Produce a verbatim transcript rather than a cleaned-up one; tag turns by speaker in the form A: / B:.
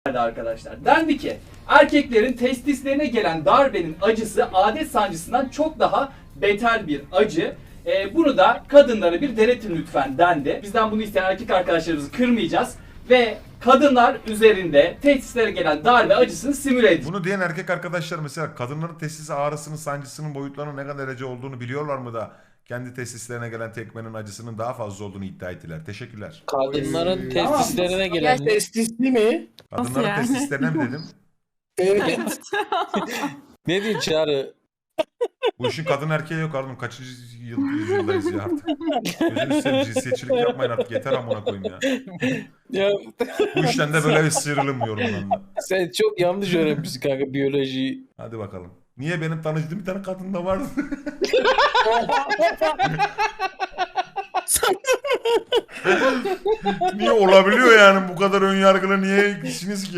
A: arkadaşlar. Dendi ki erkeklerin testislerine gelen darbenin acısı adet sancısından çok daha beter bir acı. Ee, bunu da kadınlara bir denetin lütfen dendi. Bizden bunu isteyen erkek arkadaşlarımızı kırmayacağız ve kadınlar üzerinde testislere gelen darbe acısını simüle edeceğiz.
B: Bunu diyen erkek arkadaşlar mesela kadınların testis ağrısının, sancısının boyutlarının ne kadar derece olduğunu biliyorlar mı da kendi testislerine gelen tekmenin acısının daha fazla olduğunu iddia ettiler. Teşekkürler.
C: Kadınların
A: Ee,
C: testislerine
D: Ya
C: gelen
D: testisli mi?
B: Kadınların
E: yani?
B: testislerine mi dedim?
D: Evet.
C: ne diyor Çağrı?
B: Bu işin kadın erkeği yok oğlum. Kaçıncı yıl, yüzyıldayız ya artık. Gözünü seveyim, cinsiyetçilik yapmayın artık. Yeter amına koyayım ya.
C: Ya
B: Bu işten de böyle bir sıyrılım yorumlarında.
C: sen çok yanlış öğrenmişsin kanka biyolojiyi.
B: Hadi bakalım. Niye benim tanıştığım bir tane kadın da vardı? Niye olabiliyor yani bu kadar ön yargılı niye işiniz ki?